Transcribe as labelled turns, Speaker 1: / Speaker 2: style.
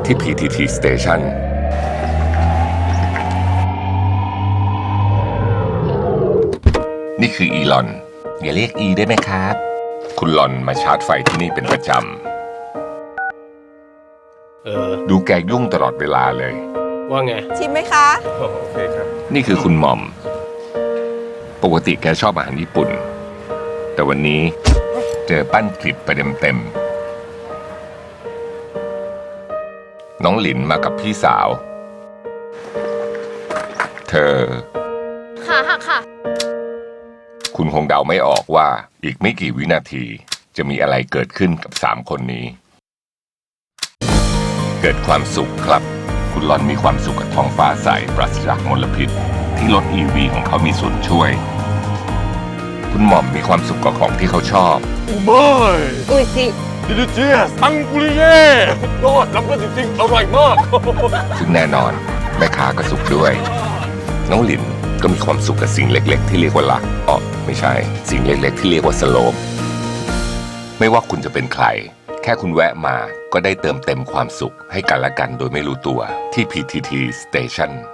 Speaker 1: ที่ PTT Station นี่คืออีลอนอย่าเรียกอีได้ไหมครับ คุณลอนมาชาร์จไฟที่นี่เป็นประจำดูแกยุ่งตลอดเวลาเลย
Speaker 2: ว่าไง
Speaker 3: ชิมไหมคะ
Speaker 2: โอเคครับ
Speaker 1: นี่คือคุณหม่อมปกติแกชอบอาหารญี่ปุ่นแต่วันนี้เจอปั้นคลิปไปเต็มน้องหลินมากับพี่สาวเธอ
Speaker 4: ขาหักค่ะ
Speaker 1: คุณคงเดาไม่ออกว่าอีกไม่กี่วินาทีจะมีอะไรเกิดขึ้นกับ3คนนี้เกิดความสุขครับคุณลอนมีความสุขกับท้องฟ้าใสปราศจากมลพิษที่รถ EV ของเขามีส่วนช่วยคุณหม่อมมีความสุขกับของที่เขาชอบ
Speaker 3: อุ้ยสิ
Speaker 2: ดิลิเจียสอังกุริเย่ยอดล้ำเลิศจริงๆอร่อยมาก
Speaker 1: ซึ่งแน่นอนแม่ค้าก็สุขด้วยน้องหลินก็มีความสุขกับสิ่งเล็กๆที่เรียกว่ารักไม่ใช่สิ่งเล็กๆที่เรียกว่าสโลปไม่ว่าคุณจะเป็นใครแค่คุณแวะมาก็ได้เติมเต็มความสุขให้กันและกันโดยไม่รู้ตัวที่ PTT Station